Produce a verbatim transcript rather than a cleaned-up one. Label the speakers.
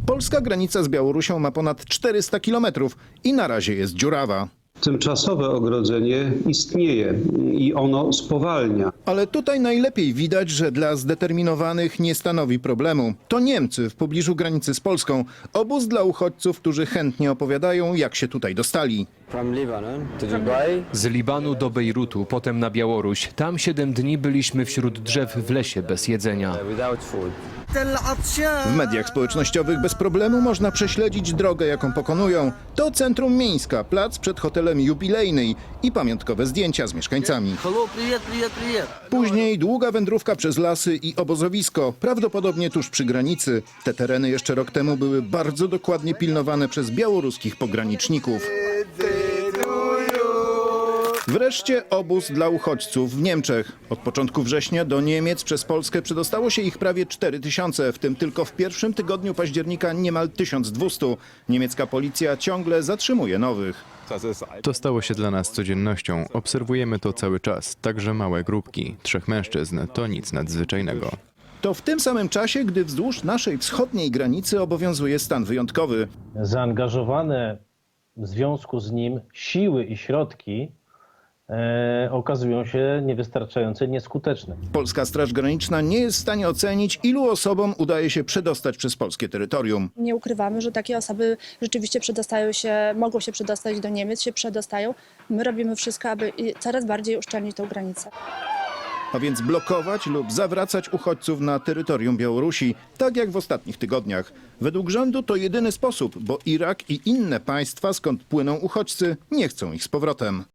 Speaker 1: Polska granica z Białorusią ma ponad czterysta kilometrów i na razie jest dziurawa.
Speaker 2: Tymczasowe ogrodzenie istnieje i ono spowalnia.
Speaker 1: Ale tutaj najlepiej widać, że dla zdeterminowanych nie stanowi problemu. To Niemcy w pobliżu granicy z Polską. Obóz dla uchodźców, którzy chętnie opowiadają, jak się tutaj dostali.
Speaker 3: Z Libanu do Bejrutu, potem na Białoruś. Tam siedem dni byliśmy wśród drzew w lesie bez jedzenia.
Speaker 1: W mediach społecznościowych bez problemu można prześledzić drogę, jaką pokonują. To centrum Mińska, plac przed hotelem Jubilejny i pamiątkowe zdjęcia z mieszkańcami. Później długa wędrówka przez lasy i obozowisko, prawdopodobnie tuż przy granicy. Te tereny jeszcze rok temu były bardzo dokładnie pilnowane przez białoruskich pograniczników. Wreszcie obóz dla uchodźców w Niemczech. Od początku września do Niemiec przez Polskę przedostało się ich prawie cztery tysiące, w tym tylko w pierwszym tygodniu października niemal tysiąc dwieście. Niemiecka policja ciągle zatrzymuje nowych.
Speaker 4: To stało się dla nas codziennością. Obserwujemy to cały czas, także małe grupki. Trzech mężczyzn to nic nadzwyczajnego.
Speaker 1: To w tym samym czasie, gdy wzdłuż naszej wschodniej granicy obowiązuje stan wyjątkowy.
Speaker 5: Zaangażowane w związku z nim siły i środki e, okazują się niewystarczające, nieskuteczne.
Speaker 1: Polska Straż Graniczna nie jest w stanie ocenić, ilu osobom udaje się przedostać przez polskie terytorium.
Speaker 6: Nie ukrywamy, że takie osoby rzeczywiście przedostają się, mogą się przedostać do Niemiec, się przedostają. My robimy wszystko, aby coraz bardziej uszczelnić tę granicę.
Speaker 1: A więc blokować lub zawracać uchodźców na terytorium Białorusi, tak jak w ostatnich tygodniach. Według rządu to jedyny sposób, bo Irak i inne państwa, skąd płyną uchodźcy, nie chcą ich z powrotem.